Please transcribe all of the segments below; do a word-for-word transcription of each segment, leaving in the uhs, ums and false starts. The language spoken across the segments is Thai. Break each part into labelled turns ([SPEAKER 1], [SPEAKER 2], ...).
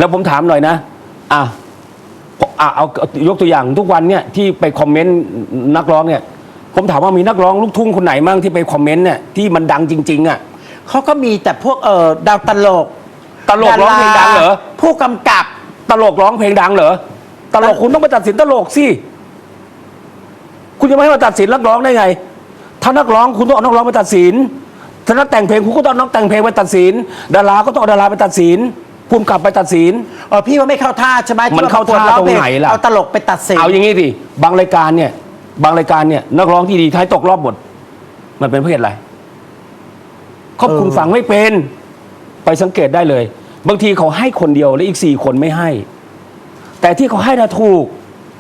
[SPEAKER 1] แล้วผมถามหน่อยนะอ่ะอ่ะเอายกตัวอย่างทุกวันเนี่ยที่ไปคอมเมนต์นักร้องเนี่ยผมถามว่ามีนักร้องลูกทุ่งคนไหนมั่งที่ไปคอมเมนต์เนี่ยที่มันดังจริงๆอ่ะ
[SPEAKER 2] เขาก็มีแต่พวกเออดาวตลก
[SPEAKER 1] ตลกร้องเพลงดังเหรอ
[SPEAKER 2] ผู้กำกับ
[SPEAKER 1] ตลกร้องเพลงดังเหรอตลกคุณต้องไปตัดสินตลกสิคุณจะไม่ให้มาตัดสินนักร้องได้ไงถ้านักร้องคุณต้องเอานักร้องไปตัดสินถ้านักแต่งเพลงคุณก็ต้องนักแต่งเพลงไปตัดสินดาราก็ต้องเอาดาราไปตัดสินภูมิกับไปตัดสิน
[SPEAKER 2] เออพี่ว่าไม่เข้าท่าใช่ไหม
[SPEAKER 1] มันเข้าท่าตรงไหนล่ะ
[SPEAKER 2] เอาตลกไปตัดสิน
[SPEAKER 1] เอาอย่างงี้ดิบางรายการเนี่ยบางรายการเนี่ยนักร้องที่ดีท้ายตกรอบหมดมันเป็นเพราะเหตุอะไรครอบคุณฟังไม่เป็นไปสังเกตได้เลยบางทีเขาให้คนเดียวแล้วอีกสี่คนไม่ให้แต่ที่เขาให้น่ะถูก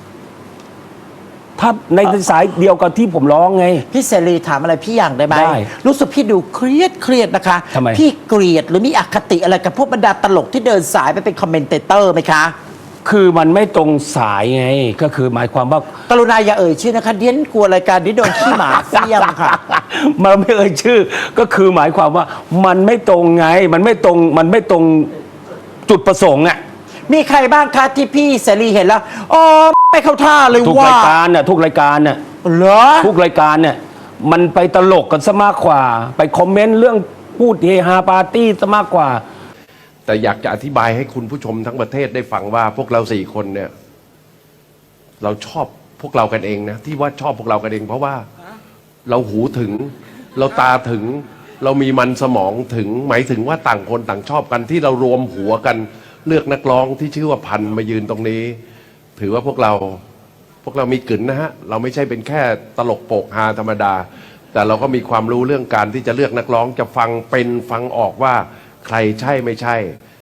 [SPEAKER 1] ถ้าในสายเดียวกับที่ผมร้องไง
[SPEAKER 2] พี่เสรีถามอะไรพี่อย่างได้ไหม
[SPEAKER 1] ได้
[SPEAKER 2] รู้สึกพี่ดูเครียดเครียดนะคะ
[SPEAKER 1] ทำไม
[SPEAKER 2] พี่เกลียดหรือมีอคติอะไรกับพวกบรรดาตลกที่เดินสายไปเป็นคอมเมนเตเตอร์ไหมคะ
[SPEAKER 1] คือมันไม่ตรงสายไงก็คือหมายความว่าก
[SPEAKER 2] รุณาอย่าเอ่ยชื่อนะคะเดียนกลัวรายการนี้โดนขี้หมาเสี้ยมค่ะ
[SPEAKER 1] มันไม่เอ่ยชื่อก็คือหมายความว่ามันไม่ตรงไงมันไม่ตรงมันไม่ตรงจุดประสงค์อ่ะ
[SPEAKER 2] มีใครบ้างคะที่พี่เสรีเห็นแล้วอ๋อไม่เข้าท่าเลยว่า
[SPEAKER 1] ทุกรายการน่ะทุกรายการน่ะ
[SPEAKER 2] เหรอ
[SPEAKER 1] ทุกรายการเนี่ยมันไปตลกกันซะมากกว่าไปคอมเมนต์เรื่องพูดเฮฮาปาร์ตี้ซะมากกว่า
[SPEAKER 3] แต่อยากจะอธิบายให้คุณผู้ชมทั้งประเทศได้ฟังว่าพวกเราสี่คนเนี่ยเราชอบพวกเรากันเองนะที่ว่าชอบพวกเรากันเองเพราะว่าเราหูถึงเราตาถึงเรามีมันสมองถึงหมายถึงว่าต่างคนต่างชอบกันที่เรารวมหัวกันเลือกนักร้องที่ชื่อว่าพันมายืนตรงนี้ถือว่าพวกเราพวกเรามีกลิ่นนะฮะเราไม่ใช่เป็นแค่ตลกโปกฮาธรรมดาแต่เราก็มีความรู้เรื่องการที่จะเลือกนักร้องจะฟังเป็นฟังออกว่าใครใช่ไม่ใช่